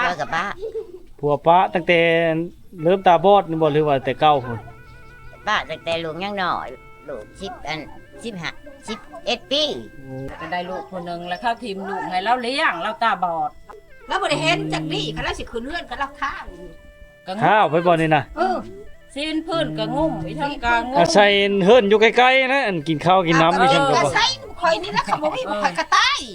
เลิกกับป้าผัวป้าตั้งแต่เริ่มตาบอดนี่บ่หรือว่าแต่เก่าพุ่นป้าตั้งแต่ลูกยังน้อยลูก11 ปีก็ได้ลูกคนนึงแล้วเข้าทีมลูกให้เราเลี้ยงเราตาบอดแล้วบ่ได้เห็นจากนี่คันแล้วสิคืนเฮือนก็รับข้าวข้าวไปบ่นี่น่ะซีนพื้นก็งุ่มอีทั้งกลางงุ่มอาศัยเฮิรนอยู่ใกล้ๆนะอันกินข้าวกินน้ำอยู่ซั่นก็บ่ใส่ข่อยนี่นะเขาบ่มีบ่ข่อยก็ตาย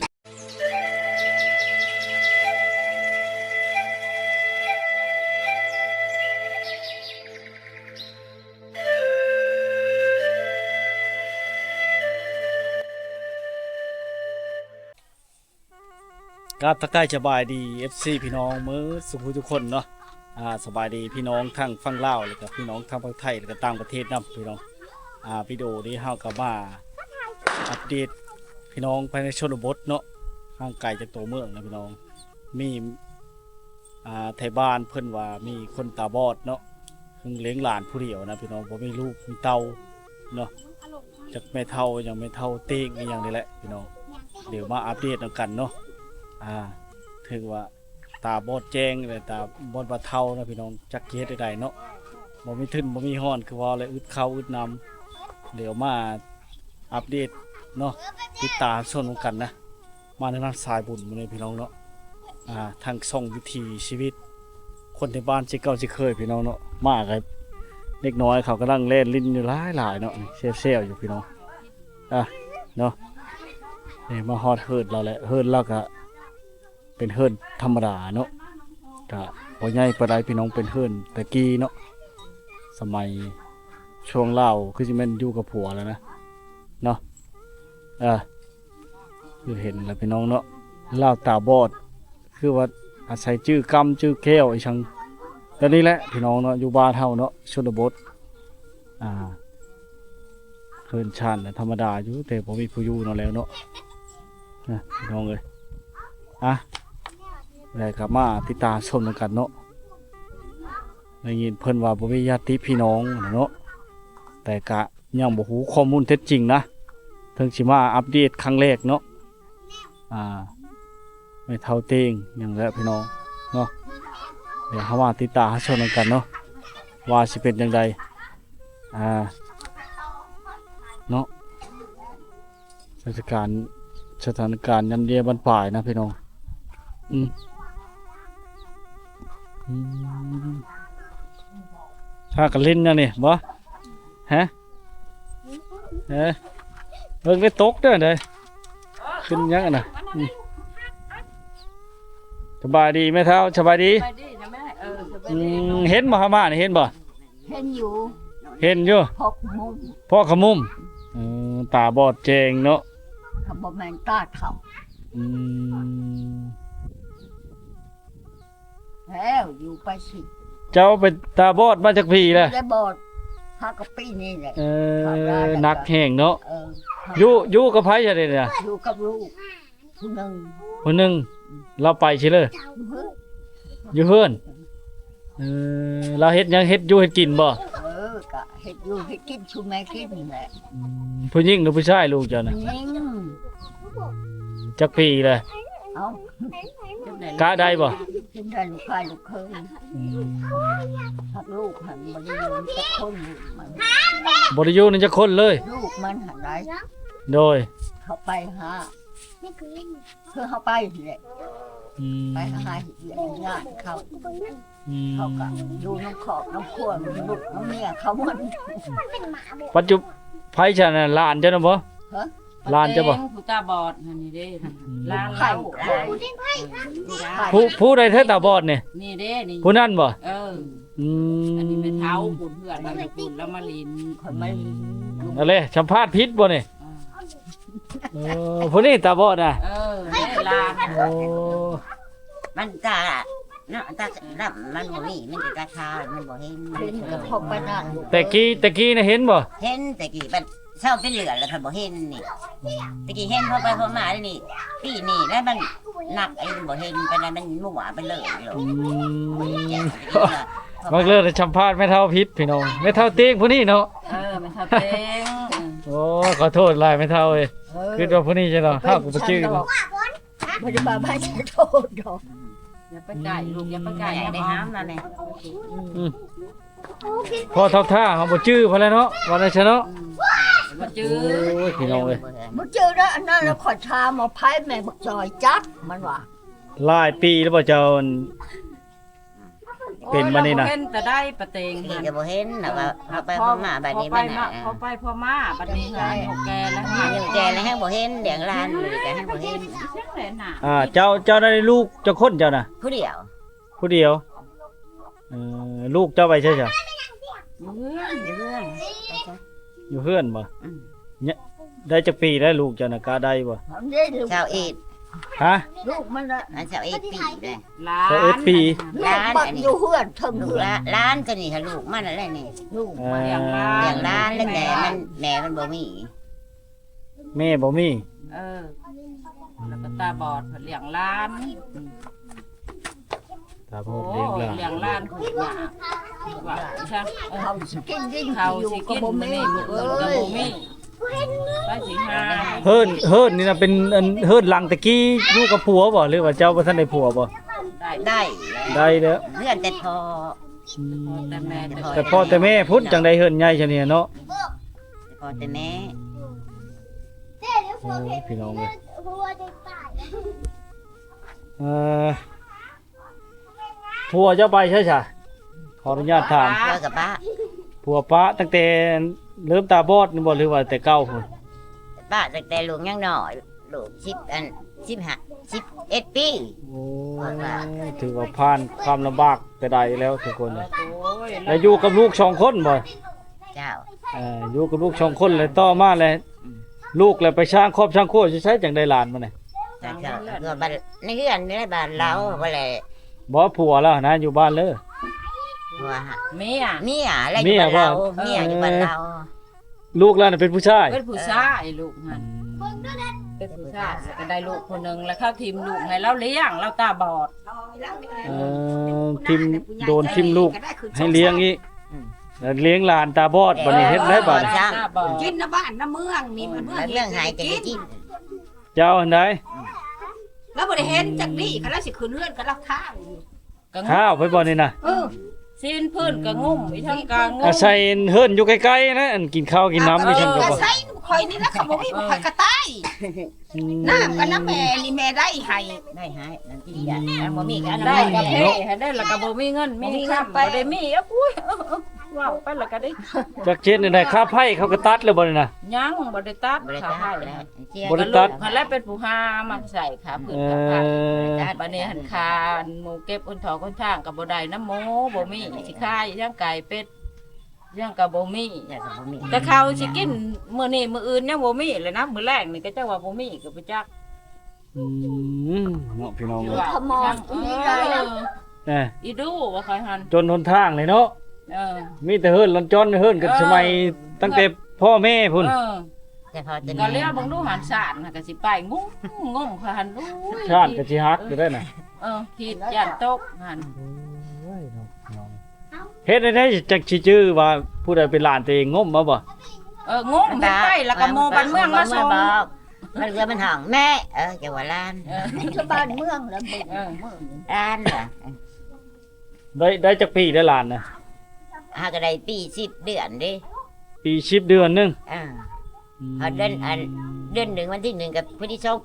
ครับทักทายสบายดี FC พี่น้องมื้อสุขทุกคนเนาะสบายดีพี่น้องทั้งฝั่งลาวแล้วก็พี่น้องทั้งฝั่งไทยแล้วก็ต่างประเทศนำพี่น้องวิดีโอนี้เฮาก็มาอัปเดตพี่น้องภายในชนบทเนาะห่างไกลจากตัวเมืองนะพี่น้องมีไทยบ้านเพิ่นว่ามีคนตาบอดเนาะเพิ่งเลี้ยงหลานผู้เดียวนะพี่น้องบ่มีลูกมีเต้าเนาะจากแม่เฒ่ายังไม่เฒ่าเต้งอีหยังนี่แหละพี่น้องเดี๋ยวมาอัปเดตกันเนาะถึงว่าตาบอดแจ้งเลยตาบอดบะเทานะพี่น้องจักเฮ็ดได้เนาะบ่มีทึนบ่มีฮ้อนคือว่าเลยอึดข้าวอึดน้ำเดี๋ยวมาอัปเดตเนาะติดตามชมกันนะมาในนั้นสายบุญมื้อนี้พี่น้องเนาะทางส่องวิถีชีวิตคนในบ้านสิเก่าสิเคยพี่น้องเนาะมากับเด็กน้อยเขากำลังเล่นลิ้นอยู่หลายเนาะเซลอยู่พี่น้องเนาะนี่มาฮอดเฮิร์ดเราแหละเฮิร์ดเราก็เป็นเฮิร์นธรรมดาเนาะก็บ่ใหญ่ปานใดพี่น้องเป็นเฮิร์นแต่กี้เนาะสมัยช่วงเล่าคือสิแม่นอยู่กับผัวแล้วนะเนาะคือเห็นแล้วพี่น้องเนาะเล่าตาบอดคือว่าอาศัยชื่อกำชื่อแก้วไอ้ชังแล้วนี่แหละพี่น้องเนาะอยู่บ้านเฮาเนาะชนบทเฮิร์นชานธรรมดาอยู่แต่บ่มีผู้อยู่เนาะแล้วเนาะพี่น้องเอ้ยได้กลับมาติดตามชมกันเนาะได้ยินเพิ่นว่าบ่มีญาติพี่น้องเนาะแต่กะยังบ่ฮู้ข้อมูลเท็จจริงนะถึงสิมาอัปเดตครั้งแรกเนาะไม่เท่าเต้งอย่างแล้วพี่น้องเนาะเดี๋ยวเฮามาติดตามชมกันเนาะว่าสิเป็นจังไดเนาะสถานการณ์ยันเดียบันปลายนะพี่น้องถ้ากันเล่นนะนี่บ่ฮะเบิ่งได้ตกเด้อเด้อขึ้นยังน่ะสบายดีไหมเท้าสบายดีเห็นบ่ฮามานี่เห็นบ่เห็นอยู่พ่อขมุมตาบอดแจงเนาะเขาบ่แม่นตาเฒ่าแล้วอยู่ไปสิเจ้าเป็นตาบอดมาจากพี่แหละได้บอดหากะปีนี่แหละนักแห่งเนาะอยู่กับไผจะได้เนี่ยอยู่กับลูกคนหนึ่งเราไปใช่เลยอยู่เพื่อนเราเฮ็ดยังเฮ็ดอยู่เฮ็ดกินบ่ก็เฮ็ดอยู่เฮ็ดกินชูแม่กินนี่แหละผู้หญิงหรือผู้ชายลูกเจ้าน่ะจักปีเลยกะได้บ่ได้ลูกชายลูกเคยหักลูกหันบริยูนจักคนบริยูนจักคนเลยลูกมันหันได้โดยเขาไปหาคือเขาไปแหละไปหาเรื่องงานเขาก็ดูน้องขอบน้องขั้วลูกน้องเมียเขาหมดปัจจุไผฉันน่ะหลานเจ้าน่ะบ่ลานจะบ่ผู้ตาบอดนี่เด้ลานเราผู้ใดเธอตาบอดนี่นี่เด้นี่ผู้นั่นบ่อันนี้เป็นเท้าปุ่นเพื่อนมาปุ่นแล้วมาลินคนไม่นั่นแหละสัมภาษณ์ผิดบ่นี่ผู้นี้ตาบอดน่ะลานมันตาเนาะตาดำมันบ่มีมันจะตาชามันบ่เห็นก็พบไปนั่นแต่กี้น่ะเห็นบ่เห็นแต่กี้มันเศร้าเป็นเหลือแล้วค่ะบ่เห็นนี่ตะกี้เห็นพอไปพอมานี่ปีนี่แล้วมันหนักไอ้บ่เห็นไปแล้วมันมั่วไปเลยมักเลิศสัมภาษณ์ไม่เท่าพิษพี่น้องไม่เท่าเตียงผู้นี้เนาะไม่เท่าเตียงโอ้ขอโทษหลายไม่เท่าเอ้ยคือว่าผู้นี้ใช่เนาะเฮาก็บ่ชื่อเนาะบ่ได้มาไม่โทษดอกอย่าไปไก่ลูกอย่าไปไก่ได้ห้ามนั่นแหละพอทับท่าเขาบ่จื้อพอแล้วเนาะวันนั้นซะเนาะมาจื้อโอ้ยพี่น้องเอ้ยบ่เจอแล้วอันนั้นแล้วขอชามาไผแม่บักจอยจักมันว่าหลายปีแล้วบ่เจ้าเป็นมานี่นะเห็นแต่ได้ประเตงนี่ก็บ่เห็นนะว่าเขาไปพ่อมาบัดนี้มันน่ะพอไปพอมาบัดนี้หายหกแกแล้วนี่อยู่แกแล้วให้บ่เห็นเลี้ยงหลานเลยก็ให้บ่เห็นเสียงแหลน่ะเจ้าได้ลูกเจ้าคนเจ้าน่ะผู้เดียวผู้เดียวลูกเจ้าไปใช่จ้ะเรื่องอยู่เรื่องอยู่เพื่อนบ่อืมเนี่ยได้จักปีได้ลูกเจ้าน่ะกล้าได้บ่ทำได้ลูกชาวเอ็ดฮะลูกมันน่ะอันชาวเอ็ดปีเลยล้าน 21ปีลูกบักอยู่เฮือนถึงลูกเฮือนล้านตัวนี้ค่ะลูกมันอะไรนี่ลูกเลี้ยงล้าเลี้ยงหลานแล้วแม่มันบ่มีแม่บ่มีแล้วก็ตาบอดเลี้ยงล้านตาบโอ้อดเลี้ยงหลานเลี้ยงล้านคือหยาว่าใช่เขาสิกินยิ่งเขาอยู่สิก็กินบ่มื้อมีนี้มื้ออื่นก็บ่มีไปสิหาเฮิรนนี่น่ะเป็นอันเฮิรนหลังตะกี้อยู่กับผัวบ่หรือว่าเจ้าบ่ทันได้ผัวบ่ได้ได้ได้เด้อเพื่อนแต่พอแต่แม่แต่แต่พ่อแต่แม่พุ่นจังได้เฮิรนใหญ่ซะเนี่ยเนาะแต่พอแต่แม่โอ้ยพี่น้องเอ้ยผัวเจ้าไปใช่จ้ะขออนุญาตถามเพื่อกับป้าผัวป้าตั้งแต่เริ่มตาบอดนี่บ่หรือว่าแต่เก่าพุ่นป้าตั้งแต่ลูกยังน้อยลูก11 ปีโอ้ยถือว่าผ่านความลำบากแต่ใดแล้วทุกคนเลยโอ้ยแล้วอยู่กับลูก2คนบ่เจ้าอยู่กับลูก2คนเลยต่อมาเลยลูกเลยไปสร้างครอบสร้างครัวสิใช้จังได้หลานมาเนี่ยเจ้าก็บ้านในเรือนในบ้านเราบ่แลบ่ผัวแล้วนะอยู่บ้านเลยว่าเมียเมียอะไรอยู่บ้านเราเมียอยู่บ้านเราลูกแล้วน่ะเป็นผู้ชายเป็นผู้ชายลูกมันเป็นผู้ชายก็ได้ลูกคนหนึงแล้วเข้าทีมลูกให้เราเลี้ยงเราตาบอดทิมโดนทิมลูกให้เลี้ยงอีกแล้วเลี้ยงหลานตาบอดบัดนี้เฮ็ดได้บัดนี้ตาบอดกินนะบ้านนะเมืองนี่มันเมืองแล้วเรื่องหายจะได้กินเจ้าอันใดแล้วบ่ได้เห็นจากนี่คันแล้วสิขึ้นเรือนกันแล้วข้างก็งข้าวไปบ่นี่น่ะซีนพื้นก็งุ่มอีทั้งกลางงุ่อาม ศัยเฮิรนอยู่ใกล้ๆนะอันกินข้าวกินน้ำนี่ฉันก็กระบ่ใส่คอยนี่นะเขาบ่มีบ่คอยกระต่ายน้ำกันนะแม่นี่แม่ได้ให้ได้หายนั่นที่อยากอันบ่มีกันได้กระเพาะให้ได้แล้วก็บ่มีเงินมีค่ำบ่ได้มีอุ้ยว้าวไปแล้วก็ได้จักเจ็ดนี่ได้ค่าไผ่เขาก็ตัดแล้วบ่นี่น่ะยังบ่ได้ตัดบริขาการให้แล้วเจี๊ยบ่ได้ตัดหันแล้วเป็นผู้หามาใส่ขาพื้นขาผ้าบัดนี้หันคานหมูเก็บอ้นทองคนทางก็บ่ได้น้ำหมูบ่มีสิขายย่างไก่เป็ดย่างก็บ่มีอยากจะบ่มีแต่เขาสิกินมื้อนี้มื้ออื่นยังบ่มีเลยนะมื้อแรกนี่ก็จักว่าบ่มีก็บ่จักเนาะพี่น้องเอ้ยขมอนนี่ได้นะอีดูว่าใครหันจนหนทางเลยเนาะเออมีแต่เฮิรนลอนจอนเฮิรนกันสมัยตั้งแต่พ่อแม่พุ่นเออแต่พอจะก็เรียกบังดูหันสารน่ะก็สิไปงงงงเขาหันอุ้ยชาติก็สิฮักอยู่ได้น่ะผิดย่านตกหันเฮ็ดได้จักสิชื่อว่าผู้ใดเป็นหลานตัวเองงมมาบ่งงเฮ็ดไปแล้วก็โมบ้านเมืองมาส่งบอกมันเรือมันห้องแม่จะว่าล้านชาวบ้านเมืองแล้วเบิ่งเมืองล้านเหรอได้จักปีได้หลานน่ะหาก็ได้ปี10 เดือนดิปี10เดือนหนึงพอเดือนหนึ่งวันที่1กับวันที่2 ปี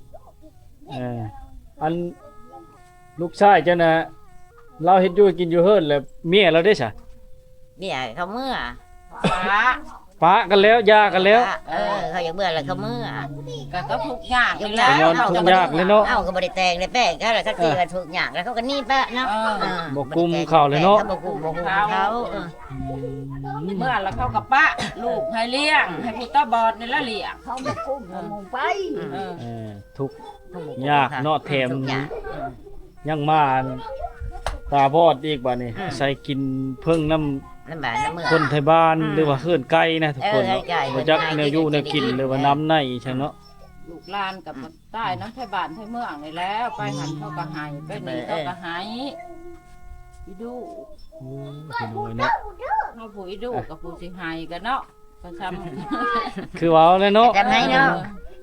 อันลูกชายเจ้าน่ะเราเฮ็ดอยู่กินอยู่เฮิรนแล้วเมียเราได้ซะเนี่ยเขาเมื่อฟ้าปะกันแล้วหย่ากันแล้วเขาอยากเมื่อแล้วเขาเมื่อก็ทุกข์ยากทุกแล้อย่างวทุกยากเลยเนาะเอ้าก็บ่ได้แต่งได้แป้งเขาแล้วเขาตีกันทุกอย่างแล้วเขาก็นี่แปะเนาะบ่กุมเข้าเลยเนาะบ่กุมเขาเมื่อแล้วเขากับปะลูกให้เลี้ยงให้ผู้ตาบอดนี่ละเลี้ยงเขามากุ้มมามุงไปทุกยากเนาะแถมทุกอย่างยังมาตาบอดอีกบัดนี้ใส่กินเพิ่งน้ำลำบากน้ำเมื่อคนไทยบ้านหรือว่าเฮือนไก่นะทุกคนเออไก่บ่จักไก่แนวอยู่แนวกินหรือว่าน้ำในใช่เนาะลูกหลานกับใต้น้ำไทยบ้านไทยเมืองนี่แล้ว ไปหันเขาก็หายไปนี่เขาก็หายอีดูโอ้พี่น้อยเนาะเขาผู้อีดูกับผู้สิหายกันเนาะก็ซ้ำคือว่าแล้วเนาะจำให้เนาะ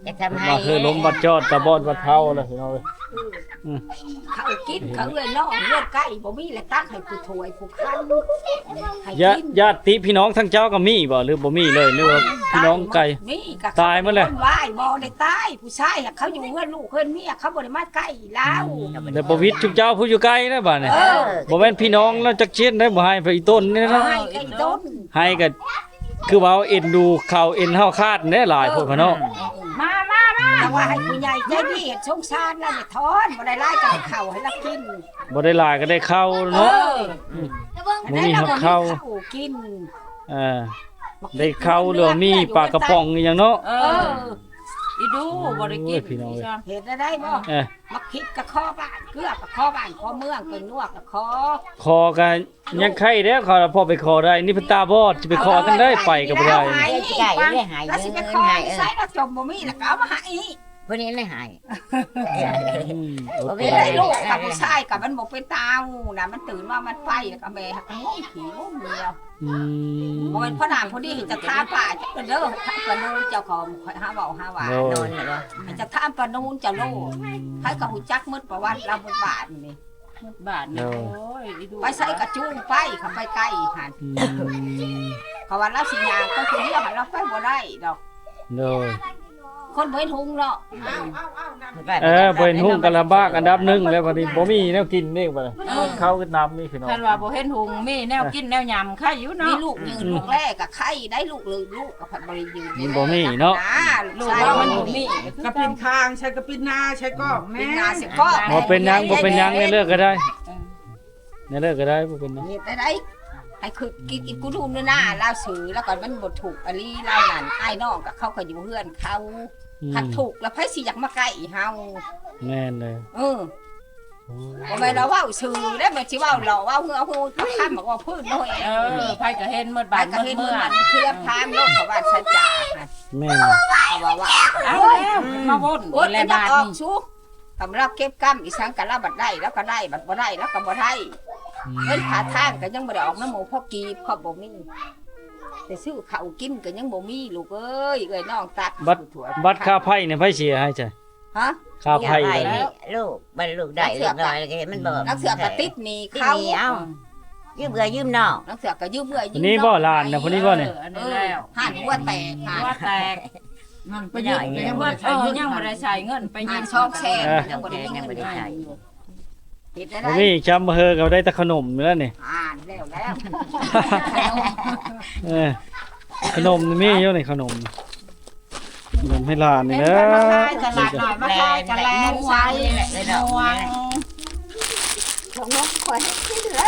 จะทำให้มาคือล้มบัดจอดตะบอดบัดเท้าแล้วพี่น้องเอ้ยเขากินเขาเลยน้องเลือดใกล้บ่มีแล้วตักให้ผู้ถวยผู้คันให้ญาติพี่น้องทั้งเจ้าก็มีบ่หรือบ่มีเลยหรือว่าพี่น้องไกลมีก็ตายหมดเลยคนว่ายบ่ได้ตายผู้ชายเขาอยู่เฮือนลูกเฮือนเมียเขาบ่ได้มาใกล้แล้วแล้วบ่วิทย์ทุกเจ้าผู้อยู่ไกลนะบัดนี้เออบ่แม่นพี่น้องแล้วจักเชียนได้บ่ให้ไปอีต้นนี่เอาเนาะให้ไอ้ต้นให้ก็คือว่าเอ็นดูเขาเอ็นเฮาคาดแน่หลายพวกเขาเนาะมาแต่ว่าให้ผู้ใหญ่ใจดีเฮ็ดสงสารแล้วไม่ทอนบ่ได้ไล่กันให้เข้าให้ละกินบ่ได้หลายก็ได้เข้าเนาะ บ่มีหักเข้ากินเออได้เข้าหรือว่ามีปลากระป๋องอหยังเนาะเอออีดูบ่ได้กินโอ้ยพี่น้องเอ้ยเฮ็ดได้บ่เออมักคิดกับข้อบ้านเกลือกับข้อบ้านข้อเมืองเป็นนวกกับข้อคอกันยังไข่เด้อขอพอไปคอได้นี่เพิ่นตาบอดสิไปคอกันได้ไปก็บ่ได้แล้วสิไปขอใส่แล้วจมบ่มีแล้วก็เอามาให้พวกนี้เลยหายอืมอดไม่บ่ได้ได้ลูกกับผู้ชายกับมันบ่เป็นตาวนะมันตื่นมามันไปแล้วก็แม่หักงูขี้งูเดียวอืมบ่เป็นพ่อหนามพอดีจะท้าป่าจะเด้อปะนูนเจ้าของข่อยหาเว้าหาว่าโอ้โดนเหรอจะท้าปะนูนจะโลให้กับฮู้จักหมดประวัติเราบนบาทนี่บ้านนี่โอ้ยอีดูไปใส่กระจุงไปเขาไปใกล้หั่นอืมเขาว่าเราสิยางก็คือเรียกให้เราไปบ่ได้ดอกโดยคนบ่เห็นหุงเนาะบ่เห็นหุ้งกันลำบากอันดับหนึ่งแล้วบัดนี้บ่มีแนวกินนี่บัดนี้ข้าวกับน้ำนี่พี่น้องท่านว่าบ่เห็นหุงมีแนวกินแนวยำค่าอยู่มีเนาะลูกยืนลูกแรกกับไข่ได้ลูกเลยลูกกับผัดบริยืนมันบ่มีเนาะลูกว่ามันบ่มีกระปินคางใช้กระปินหน้าใช้กอกเป็แม่นนาสิก็บ่เป็นหยังบ่เป็นหยังในเลิกก็ได้ในเลิกก็ได้บ่เป็นหยังเฮ็ดได้ไอ้คือกินอีกกูดูหน้าลาวสือแล้วก็มันบ่ถูกอลีลาวนั่นไอ้น้องกับเขาก็อยู่เฮือนเขาอืมคัดถูกแล้วไผสิอยากมาใกล้เฮาแม่นเลยเออบ่แม่นเราเว้าชื่อได้แม่สิเว้าหล่อเว้าเฮือฮู้คำบอกว่าพื้นน้อยเออไผก็เห็นหมดบ้าบ้าน นก็หมดเห็นเมืเมืออง มันเคลียร์พามโลกเขาบ้านชันจ่าแม่นเลยเขาว่าเอาแล้วมาวนโอ๊ยในแล้วบ้านออกนี่ชูกำลังเก็บกำอีสังกันแล้วบัดได้แล้วก็ได้บัดบ่ได้แล้วก็บ่ได้ เงินขาทางก็ยังบ่ได้ออกน้ำหมูพ่อกีบพ่อบ่มีแต่ซื้อข้าวกินก็ยังบ่มีลูกเอ้ยเอ้ยน้องตัดบัตรค่าไผ่เนี่ยไผเสียให้จ้ะฮะค่าไผ่ไปเลยนี่ลูกบรรลุได้เรียบร้อยแล้วก็เห็นมันบอกนักเสือกก็ติดหนี่ที่เขานี่เอ้ายืมเบื่อยืมนอกนักเสือกก็ยืมเมื่อยอันนี้บ่หลานนะคนนี้บ่เนี่ยอันนี้แล้วห่านหัวแตกห่านว่าแตกนั่นไปยืนยังว่าไม่ได้ยังบ่ได้ใช้เงินไปห่ายินงช่องแช่ยังบ่ได้ยังบ่ได้ใช้เฮ็ดได้บ่มีจำเฮอก็ได้แต่ขนมนี่แหล้วนี่ห่านแล้วเออขนมนี่มีอยู่นี่ขนมให้หลานนี่เป็นเด้อมาขายตลาดหน่อยมาขายกันแลนใส่นวงของน้องคอยให้กินแล้ว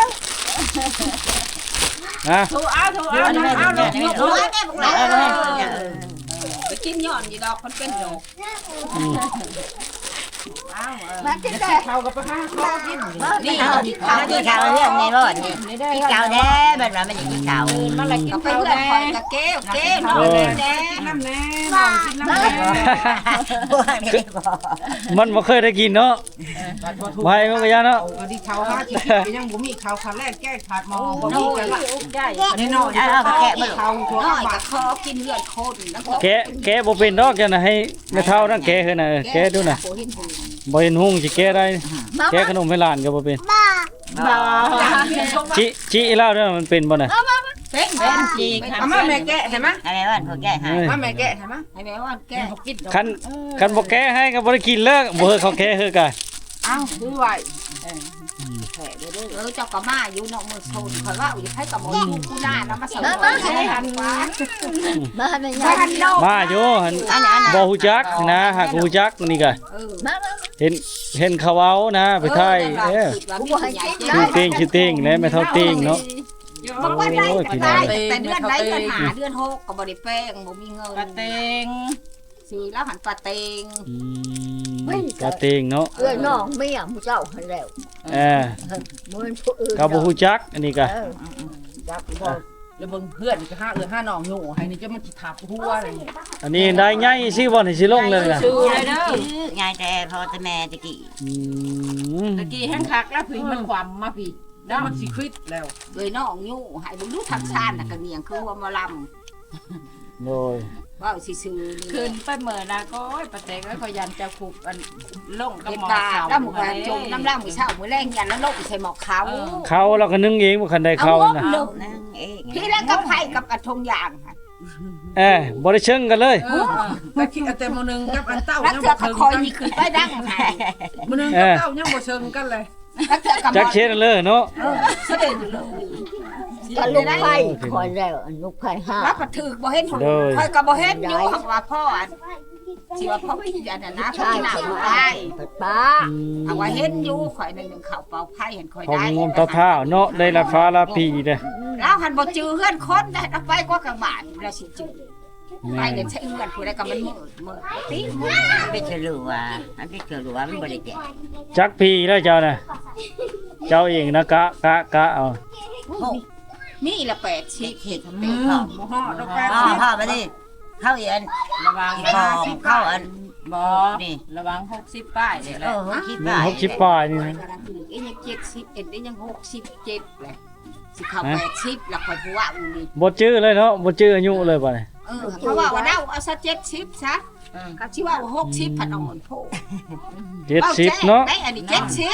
นะถูกเอาถูกเอาเอาลงยกโอ้มืยอแม่บอกแล้วไปกินย้อนอยู่ดอกมันเป็นโรค มากินได้เขากับไปห้าข้อกินนี่เอาที่เอาที่เขาเรื่องในรถนี่นี่ได้ที่เก่าแท้แบบว่ามันอย่างที่เก่ามันละกินเอาไปข้าวเพื่อนแน่คอยกับเก้วเก้วน้องแดงน้ำแน่นอนกินน้ำแน่พวกนี้บอกมันบ่เคยได้กินเนาะไว้มันก็ยาเนาะก็ดีเขาห้ากินก็ยังบ่มีเขาขาแรกแก้ขาดมองบ่มีกันละใหญ่อันนี้นอนเขาตัวน้อยบากัดบคอกินเลือดคนแล้วก็แกะบ่เป็นดอกจังน่ะให้แม่เฒ่านั่นแกะคือน่ะแกะดูน่ะโอ้เห็นหูบ่เห็นหุ้งสิแกะได้แกะขนมให้หลานก็บ่เป็นบ่จิอีลาวเด้อมันเป็นบ่น่ะเป็นเป็นจริงเอามาแม่แกะเห็นไหมอะไรว่าพวกแก่หายมาแม่แกะเห็นไหมให้แม่ว่าแก้คันบ่แกะให้ก็บ่ได้กินแล้วบ่เฮอเขาแกะเฮอกะอ้าวดูไว้เจ้าก็มาอยู่นอกมือโซนคอยว่าอยู่ให้กับหมออยู่กูหน้านะมาสอนให้หันฟ้ามาหันโลกมาอยู่หั่นบ่ฮู้จักนะหากฮู้จักนี่ก็เห็นเขาเว้านะไปถ่ายชื่อเต้งนะแม่เฒ่าเต้งเนาะบางวันได้โอ้ยพี่น้ได้องแต่เดือนได้เดือนหาเดือนหกก็บ่ได้แป้งบ่มีเงินกระเตงซื้อแล้วหันปลาเตงอืมกะเต้งเนาะเอ้ยน้องไม่อยากมูเจ้าหันแล้วเออมือผู้อื่นก็บ่ฮู้จักอันนี้ก็จับบ่แล้วเบิ่งเพื่อนก็ห้าห้าน้องอยู่ให้นี่จะมันสิทับหัวอะไรนี่อันนี้ได้ใหญ่สิบ่นี่สิลงเลยน่ะชื่อเลยเด้อยายแต่พอแต่แม่ตะกี้อืมตะกี้แห้งคักแล้วผีมันความมาผีแล้วมันสิคลิดแล้วเลยน้องยู่ให้บ่รู้ทำชาติน่ะก็เนียงคือว่ามาลโดยำว้าวซื่อๆขึ้นไปเมื่อนะก็ประเตกแล้วก็ยันจะขุบอันลงกับเฮ็ดหมอตาขาวแล้วหมูกระจมน้ำล่างมื้อเช้ามื้อแรงยันแล้วลงใส่หมอกขาวเขาเราก็นึ่งเองบ่คันได้เขานะนั่งเองพี่แล้วกับไผ่กับกระทงยางค่ะบ่ได้เชิงกันเลยแต่คิดแต่มื้อนึงกับอันเต้าแล้วยังเถื่บ่อก็เชิงคอยกันนี่ขึ้นไปดังให้มื้อนึงกับเต้ายังบ่เชิงกันเลยแล้วเถื่อก็จักเช็ดเลยเนาะเสด็จเลยถ้าลูกไผ่คอยแล้วลูกไผ่ห้าแล้วก็ถือบ่เห็นคอยก็บ่เห็นอยู่ว่าพ่ออันสิว่าพ่อพี่อันนั้นนะพ่อใช่ที่หน้าใช่บ่ได้ป้าเอาว่าเห็นอยู่ข่อยนึงเข้าเป่าไผ่เห็นข่อยของได้งมเท้าๆเนาะได้ละฟ้าละปีเด้อแล้วหันบ่จื้อเฮือนคนได้เอาไปกว่ากลางบ้านแล้วสิจื้อไปแม่เนี่ยใช้เฮือนผู้ใดก็มันมืดติไปเฉลือมันไปเฉลือมันบ่ได้แก่จักปีแล้วเจ้าน่ะเจ้าเองนะกะเอานี่ละ80 เห็ดบ่ฮอดดอกแป๊บพ่อมาดิเข้าอีอันระวังอีบองเข้าอันบ่นี่ระวัง60ป้ายนี่แหละคิดนี่ว่า 60ปลายนี่นะอียัง70เอ็ดได้ยัง67แหละสิเข้า80แล้วค่อยผู้ว่าอูนี่บ่จื้อเลยเนาะบ่จื้ออายุเลยบัดนี้เพราะว่าเดาเอาซะ70ซะก็สิว่า60พันอ่อนโพ 70เนาะได้อันนี้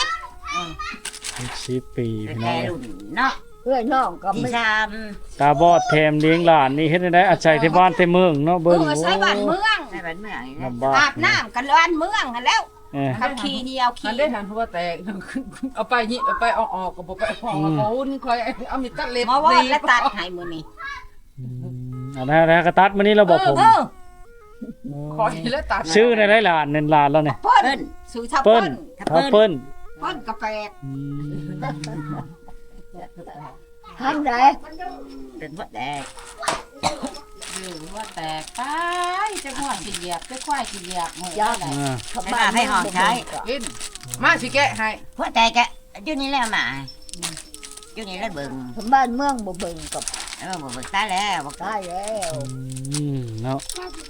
70 10ปีพี่น้แต่องรุ่นเนาะเพื่อนน้องก็ที่ไม่ชามตาบอดแถมเลี้ยงหลานนี่เฮ็ดได้อาศัยที่บ้านที่เมืองเนาะเบิ่งใช้บ้านเมืองในบ้านเมืองนี่ลำบากอาบน้ำกันบ้านเมืองกันแล้วเออขับขี่เหนียวมัขี่นได้ทันหัวแตกเอาไปนี่เอาไปออกก็บ่ไปห้องเอาหุ่นคอยเอามีตัดเล็บหมอว่าและตัดให้มื้อนี้อันนั้นก็ตัดมื้อนี้เราบอกผมคอยแล้วตัดชื่อในหลานนั่นหลานแล้วเนี่ยเปิ้เปิ้นนซื้อทับเปิ้เปิ้นนถ้าเปิ้นเปิ้นกาแฟอืมทำได้เป็นพวกแดกอยู่ว่าแตกไปจะหัวสิเหยียบจะควายสิเหยียบหมดยากได้อ่าเขาบ้านกินมาสิแกะให้พวกแดกอะอยู่นี่แล้วมาอยู่นี่แล้วเบิ่งเขาบ้านเมืองบ่เบิ่งกับบ่เบิ่งตายแล้วบ่ได้แล้วอืมเนาะ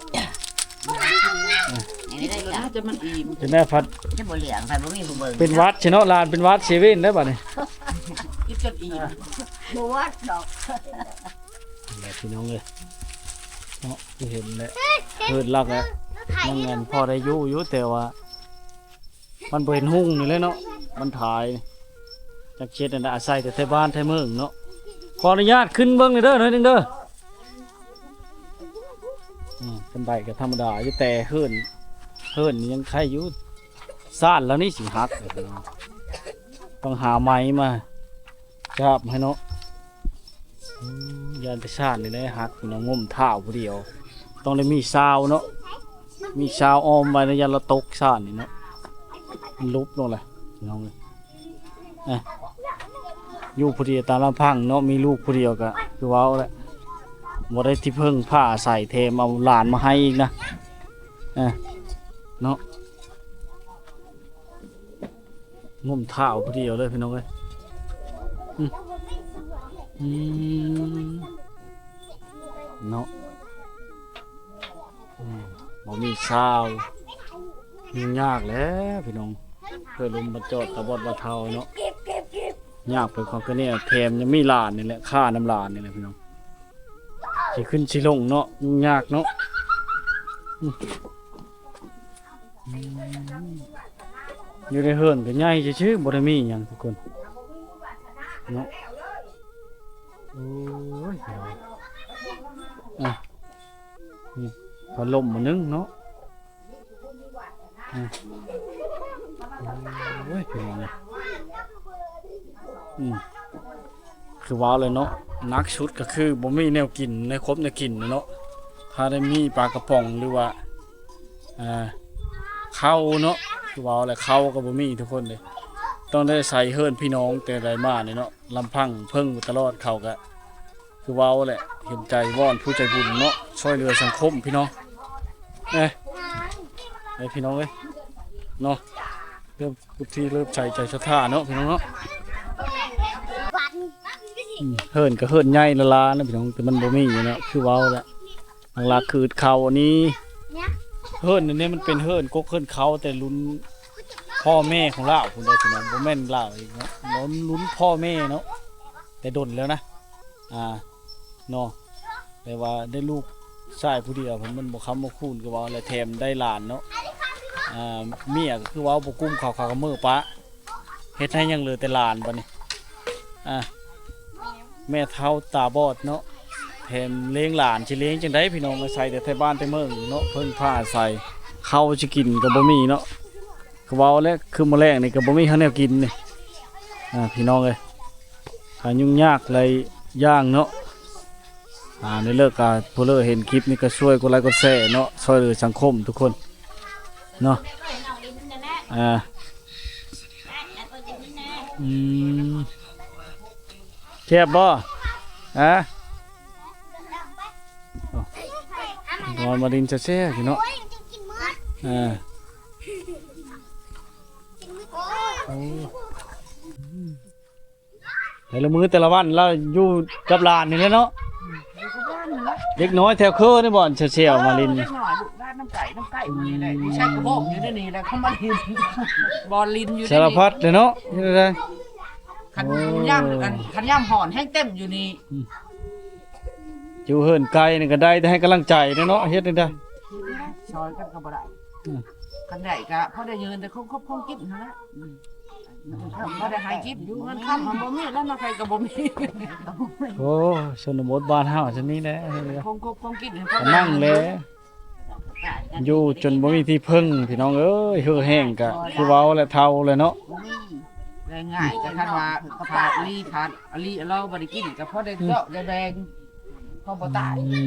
นี่ได้จ้ะน่าจะมันอิ่มจะได้พัดจะบ่เหลืองไปบ่มีผู้เบิ่งเป็นวัดใช่เนาะลานเป็นวัดเซเว่นได้ป่ะเนี่ยกินจนอิ่มบ่วัดดอกแบบพี่น้องเลยเนาะที่เห็นแหละเกิดลักแล้วมันเงินพอได้อยู่แต่ว่า มันบ่เห็นหุ่งนี่เลยเนาะมันถ่ายจักเช็ดนั่นน่ะอาศัยแต่ไทบ้านไทเมืองเนาะขออนุญาตขึ้นเบิ่งหน่อยเด้อหน่อยหนึงเด้อเป็นใบก็ธรรมดาอยู่แต่เฮิ่นนี่ยังไข่อยู่ซ่านแล้วนี่สิหักเลยพี่น้องต้องหาไม้มาจับให้เนาะยันไปซ่านนี่ได้หักพี่น้องงมเท้าผู้เดียว ต้องได้มีซาวเนาะมีซาวออมไว้ในยันเราตกซ่านนี่เนาะมันลุบลงเลยพี่น้องเลยอยู่ผู้เดียวตามลำพังเนาะมีลูกผู้เดียวก็คือว้าวแหละบ่ได้ที่เพิ่งผ้าใส่เทมเอาหลานมาให้อีกนะเนาะงมเท้าผู้เดียวเลยพี่น้องเอ้ยเนาะบ่มีซาวยุ่งยากแล้วพี่น้องเพื่อลุมมาจอดตะบอดบะเทาเนาะยากไปความก็เนี่ยแถมยังมีหลานนี่แหละค่าน้ำหลานนี่แหละพี่น้องสิขึ้นสิลงเนาะยุ่งยากเนาะอยู่ในเฮือนก็ใหญ่ชื่อๆบ่ได้มีหยังทุกคนเนาะโอ้ยนี่พัดลมมานึงเนาะโอ้ยเป็นยังไงคือว้าวเลยเนาะนักชุดก็คือบ่มีแนวกินในครบแนวกินเนาะถ้าได้มีปลากระป๋องหรือว่าข้าวเนาะคือว้าวเลยข้าวก็บ่มีทุกคนเลยต้องได้ใส่เฮิรนพี่น้องแต่ไรมาเนี่ยเนาะลำพังเพิ่งตลอดเขาก็คือว้าวแหละเห็นใจว่อนผู้ใจบุญเนาะช่วยเหลือสังคมพี่น้องพี่น้องเลยเนาะเริ่มทุกที่เริ่มใจศรัทธาเนาะพี่น้องเนาะเฮิรนก็เฮิรนใหญ่ละลานะพี่น้องแต่มันบ่มีอยู่เนาะคือว้าวแหละหลักคือเขาอันนี้เฮิรนอันนี้มันเป็นเฮิรนกกเฮิรนเขาแต่ลุ้นพ่อแม่ของเราคุณได้พี่น้องบ่แม่นเราอีกเนาะลุ้นพ่อแม่เนาะแต่ดนแล้วนะเนาะแต่ว่าได้ลูกชายผู้เดียวผมมันบ่ค้ำบ่คูนก็เว้าแล้วแถมได้หลานเนาะเมียก็คือเว้าบ่กุ้มข้าวกับมื้อปะเฮ็ดให้ยังเหลือแต่หลานบัดนี้แม่เฒ่าตาบอดเนาะแถมเลี้ยงหลานสิเลี้ยงจังได๋พี่น้องอาศัยแต่ไทบ้านแต่เมืองเนาะเพิ่นพาอาศัยข้าวสิกินก็บ่มีเนาะก็เว้าแล้วคือมื้อแรกนี่ก็บ่มีข้าวแนวกินนี่พี่น้องเอ้ยถ้ายุ่งยากเลยย่างเนาะในเลิกการผู้เลิกเห็นคลิปนี้ก็ช่วยกดไลค์กดแชร์เนาะช่วยเหลือสังคมทุกคนเนาะแซ่บบ่นอนมาดินจะแซ่บเนาะแต่ละมื้อแต่ละวันเราอยู่กับหลานนี่แหละเนาะเด็กน้อยแถวเคอนี่บ่อนเชี่ยวๆมาลินเล็กน้อยลูกด้านน้ำไก่นี่แหละใช้กระบอกอยู่ในนี่แหละเขามาลินบอลลินอยู่ในสารพัดเลยเนาะนี่เลยคันย่ำห่อนให้เต็มอยู่นี่อยู่เฮินไกลนี่ก็ได้แต่ให้กำลังใจเนาะเฮ็ดได้ซอยกันก็บ่ได้กันได้ก็พอได้ยืนแต่คงกินนั่นแหละพอได้หายกินอยู่เงินค่ำมันบ่มีแล้วมาใครก็บ่มีโอ้ชนบทบ้านเฮาซั่นนี้แหละคงกินนั่งเลยอยู่จนบ่มีที่พึ่งพี่น้องเอ้ยเหือแห้งก็คือเว้าและเฒ่าเลยเนาะง่ายๆก็คันว่าขาดอลีเราบ่ได้กินก็พอได้เจาะได้แดงพอบ่ตาย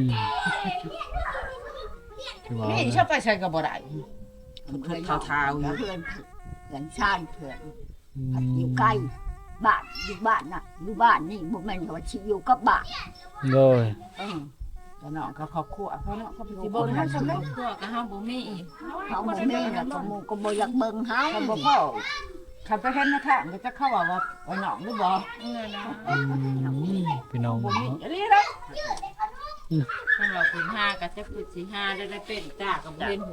คือว่านี่ชอบไปใช้ก็บ่ได้มันเคยเท้าๆอยู่เพื่อนชาติเพื่อนอยู่ใกล้บ้านอยู่บ้านน่ะอยู่บ้านนี่บ่แม่นว่าสิอยู่กับบ้านโดยแต่น้องก็ครอบครัวเพราะเนาะเขาเป็นสิบ่บ่มีทันสำครเร็อจบครัวก็เฮาบ่มีอีกเขาบ่มีน่ะก็หมู่ก็บ่อยากเบิ่งเฮาคันบ่เข้าคันไปเห็นนะทางก็จะเข้าว่าน้องหรือบ่พี่น้องบ่มีอีหลีเด้อคันว่าคุณห้าก็จะคือสิห้าได้เป็นจ้าก็บ่เห็นหู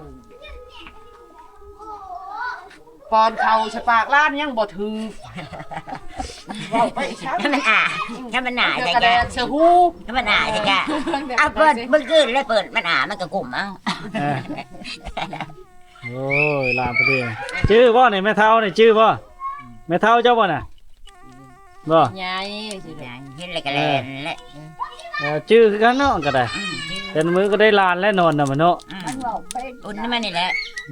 ปอนเขาฉปากล้านยังบ่ถึงเว้าไปช้าถ้ามันเดี๋ยวจะกระแดแกดเสือฮู้ถ้ามันจะแกเอาเปิดเมื่อคืนแล้วเปิดมันมันก็กลุ่มเอาโอ้ยลามพอดีชื่อบ่นี่แม่เฒ่านี่ชื่อบ่แม่เฒ่าเจ้าบ่น่ะบ่ใหญ่สิเห็นอะไรกันแลนและชื่อคือกันเนาะก็ได้เป็นมื้อก็ได้ลานและนอนน่ะมันเนาะมันเว้าเป็นอุ่นมันนี่แหละ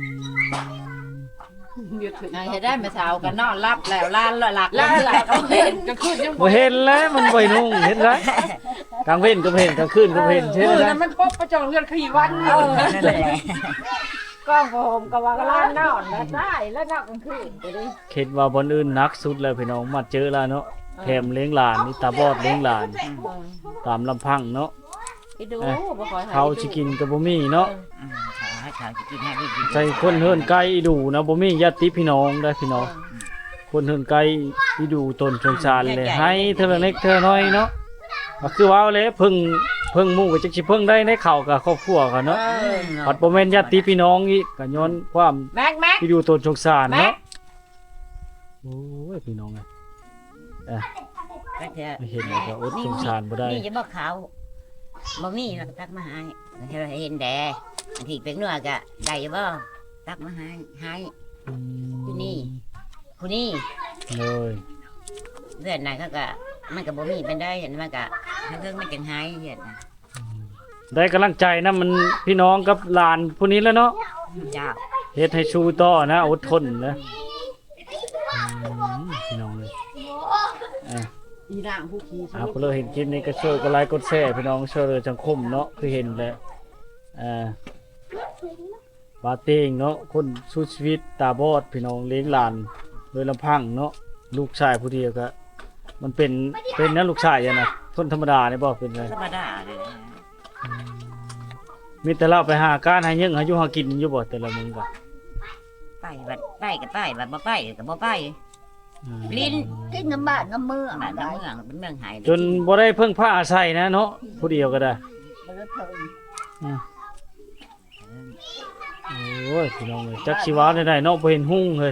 ให้ได้มาเช้ากันนอนรับแล้วล้านหลักแล้วก็เห็นกลางคืนยังบ่เห็นแล้วมันบ่นุ่งเห็นไรกลางเว้นก็บ่เห็นกลางคืนก็บ่เห็นใช่มื้อไหมนั้นมันครบประจองเรือนขี่วันนั่นแหละกล้องผมก็ว่าล้านนอนแล้วได้แล้วนอกกลางคืนไปดิคิดว่าบนอื่นหนักสุดเลยพี่น้องมาเจอแล้วเนาะแถมเลี้ยงหลานนี่ตาบอดเลี้ยงหลานตามลำพังเนาะไปดูบ่ขอให้เขาสิกินก็บ่มีเนาะเขาจะกินให้กินใจคนเฮินไกลอีดูนะบ่มีญาติพี่น้องได้พี่น้องคนเฮินไกลอีดูตนสงสารเลยให้เท่าเล็กเท่าน้อยเนาะก็คือว่าเลยเพิ่งหมู่ก็จักสิเพิ่งได้ในเข้ากับครอบครัวกันเนาะปัดบ่แม่นญาติพี่น้องอีกก็ย้อนความแม็กอีดูตนสงสารเนาะโอ้ยพี่น้องไม่เห็นเลยก็อดสงสารบ่ได้นี่จะบอกเขาบ่มีตักมาให้เห็นแดดที่เป็นเนื้อกะได้บ่ตักมาให้ผู้นี้เลยเดือนไหนเขาก็มันก็บ่มีเป็นได้เห็นมันก็เรื่องมันจังหายเห็นได้กำลังใจนะมันพี่น้องกับหลานผู้นี้แล้วเนาะเจ้าเฮ็ดให้สู้ต่อนะอดทนนะพี่น้องเลยอีนางผู้ขี่พอเราเห็นคลิปนี้ก็ช่วยกดไลค์กดแชร์พี่น้องช่วยเหลือสังคมเนาะคือเห็นแหละบาเต้งเนาะคนสู้ชีวิตตาบอดพี่น้องเลี้ยงหลานโดยลำพังเนาะลูกชายผู้เดียวก็มันเป็นนะลูกชายอย่างนะคนธรรมดาเนี่ยบอกเป็นไงธรรมดาเลยมีแต่เราไปหาการหาเยังหาอยู่หากินอยู่บ่แต่ละมึงก็ไปบัดไปก็ไปบัดบ่ไปก็บ่ไปลิ้นกินน้ำบ้านน้ำเมืองบ้านได้เมืองเป็นเมืองหายจนบ่ได้เพิ่งผ้าอาศัยนะเนาะผู้เดียวก็ได้บ่ได้เพิ่นโอ้ยพี่น้องเอ้ยจักชีวาได้เนาะบ่เห็นหุ่งเลย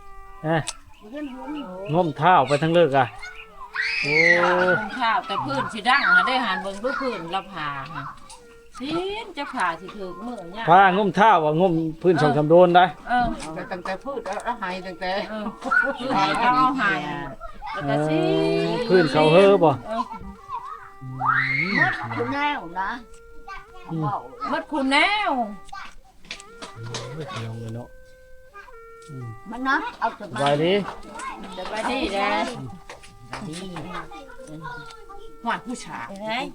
งมเท้าไปทั้งเลิกอ่ะโอ้ข้าวแต่พื้นสิดังได้หันเบิ่งดูพื้นละผาสินจะผ่าสิถึงมื้อเนี่ยผ้างมเท้าว่างมพื้นช่องคำโดนได้แต่ตั้งแต่พูดแล้วหายตั้งแต่เอาหายแล้วก็สิพื้นเขาเฮ้อบ่คุณแนวนะเว้ามัดคุณแนวลองเลยเนาะมันนะเอาสสบายดีสบายดีเด้อหวานผู้ชาย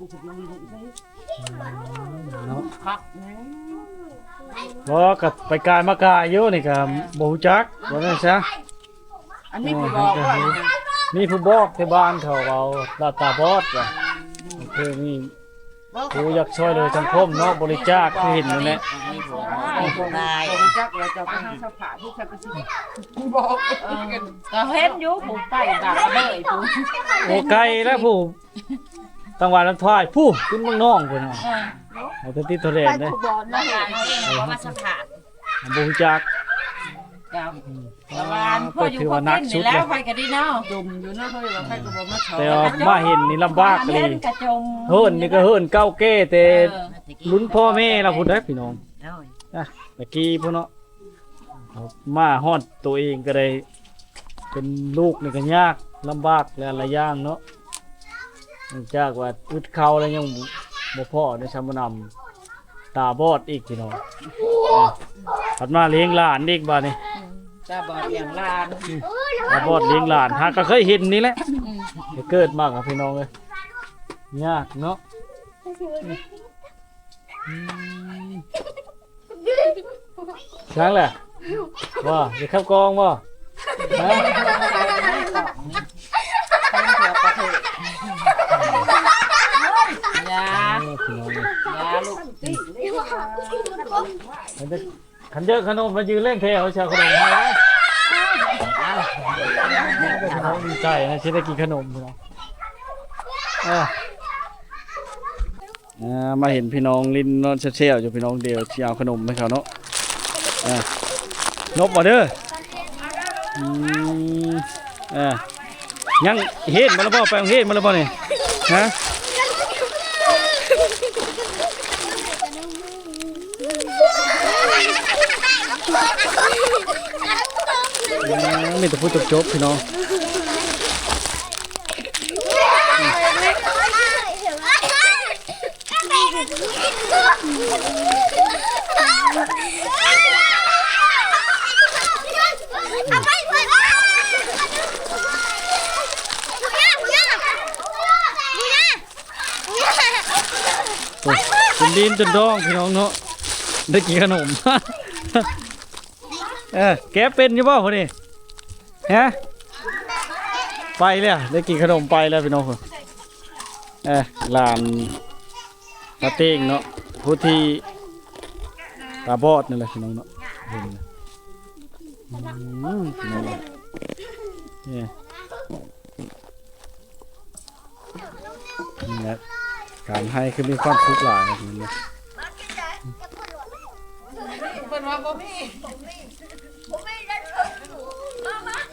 เนาะครับบ่กับไปกายมากายอยู่นี่ก็บ่ฮู้จักว่าจังซะอันนี้ผู้บอกว่ามีผู้บอกที่บ้านเขาเอาลาตาบอดว่ะคือมีผู้อยากช่วยเหลือสังคมเนาะบริจาคคือเห็นนั่นแหละได้รู้จักแล้วจะไปหาสภาผู้ชายก็สิบอกก็เห็นอยู่ผู้ใต้บาเลยผู้โอ้ไกลแล้วผู้ตังหวัดลำทายผู้ขึ้นเมืองน้องพุ่นน่ะเอาแต่ติดทะเลไปเด้ผู้บอลนะเพราะว่าสภาพบ่ฮู้จักกับประมาณพ่ออยู่คนนี้นี่แล้วไปก็ดีเนาะจมอยู่นะเขาว่าใครก็บ่มาชอแต่ว่ามาเห็นนี่ลำบากเลยกระจมเฮิ่นนี่ก็เฮิ่นเก้าเก้แต่ลุ้นพ่อแม่เราพุ่นได้อพี่น้องแล้วตะกี้พุ่นเนาะเอามาฮอดตัวเองก็ได้เป็นลูกนี่ก็ยากลำบากและหลายอย่างเนาะเนื่องจากว่าอึดเขาแล้วยังบ่พอได้ชำนำตาบอดอีกพี่น้องถัดมาเลี้ยงหลานอีกบาดนี้จะบอกอย่างลานตาบอดเลี้ยงหลานหาก็เคยเห็นนี่แหละเกิดมากครับพี่น้องเลยยากเนาะช้างแหละว่าจะเข้ากองว่าฮะยาพี่น้องเลยยาลูกขันเยอะขนมมายืนเล่นเพลเขาชาวขนมให้แล้วพี่น้องดีใจนะที่ได้กินขนมพี่น้องมาเห็นพี่น้องลิ้นนอนเชี่ยวๆอยู่พี่น้องเดียวที่เอาขนมให้เขาเนาะนบมาเด้อยังเฮ็ดมาแล้วบ่ไปเฮ็ดมาแล้วบ่นี่ฮะมีแต่พูดจบๆพี่น้องเป็นดินจนดองพี่น้องเนาะได้กินขนม แกเป็นอยู่เปล่าคนนี้ฮะไปเลยได้กินขนมไปแล้วพี่น้องคนหลานตาเต้งเนาะผู้ที่ตาบอดนั่นแหละพี่น้องเนาะเห็นเลยพี่น้องนี่นี่แหละการให้คือมีความสุขหลายนะพี่น้องเพิ่นว่าบ่มีผมไม่ได้